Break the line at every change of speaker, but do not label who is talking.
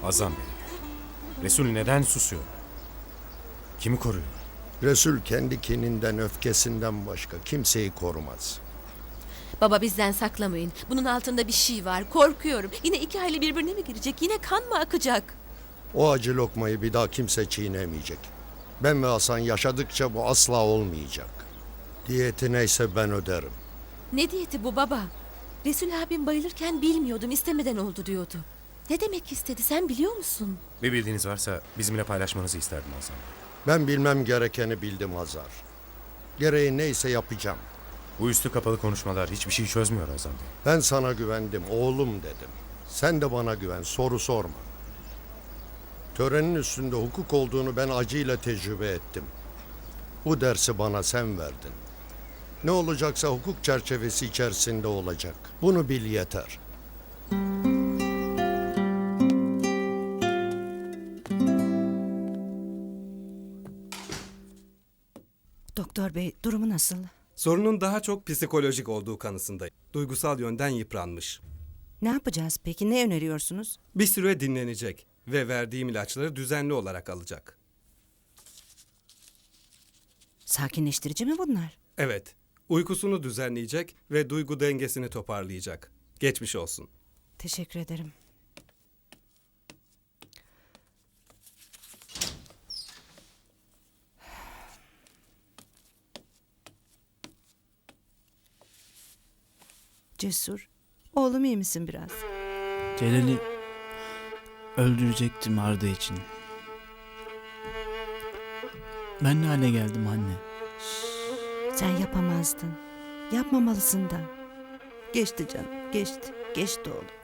Azam Bey, Resul neden susuyor? Kimi koruyor?
Resul kendi kininden, öfkesinden başka kimseyi korumaz.
Baba bizden saklamayın. Bunun altında bir şey var. Korkuyorum. Yine iki aile birbirine mi girecek? Yine kan mı akacak?
O acı lokmayı bir daha kimse çiğnemeyecek. Ben ve Hasan yaşadıkça bu asla olmayacak. Diyeti neyse ben öderim.
Ne diyeti bu baba? Resul abim bayılırken bilmiyordum, istemeden oldu diyordu. Ne demek istedi sen biliyor musun?
Bir bildiğiniz varsa bizimle paylaşmanızı isterdim Azam Bey.
Ben bilmem gerekeni bildim Hazar. Gereği neyse yapacağım.
Bu üstü kapalı konuşmalar hiçbir şey çözmüyor Azam Bey.
Ben sana güvendim, oğlum dedim. Sen de bana güven, soru sorma. Törenin üstünde hukuk olduğunu ben acıyla tecrübe ettim. Bu dersi bana sen verdin. Ne olacaksa hukuk çerçevesi içerisinde olacak. Bunu bil yeter.
Doktor bey, durumu nasıl?
Sorunun daha çok psikolojik olduğu kanısındayım. Duygusal yönden yıpranmış.
Ne yapacağız peki? Ne öneriyorsunuz?
Bir süre dinlenecek ve verdiğim ilaçları düzenli olarak alacak.
Sakinleştirici mi bunlar?
Evet, uykusunu düzenleyecek ve duygu dengesini toparlayacak. Geçmiş olsun.
Teşekkür ederim. Cesur, oğlum iyi misin biraz?
Celal'i öldürecektim Arda için. Ben ne hale geldim anne?
Sen yapamazdın. Yapmamalısın da. Geçti canım, geçti. Geçti oğlum.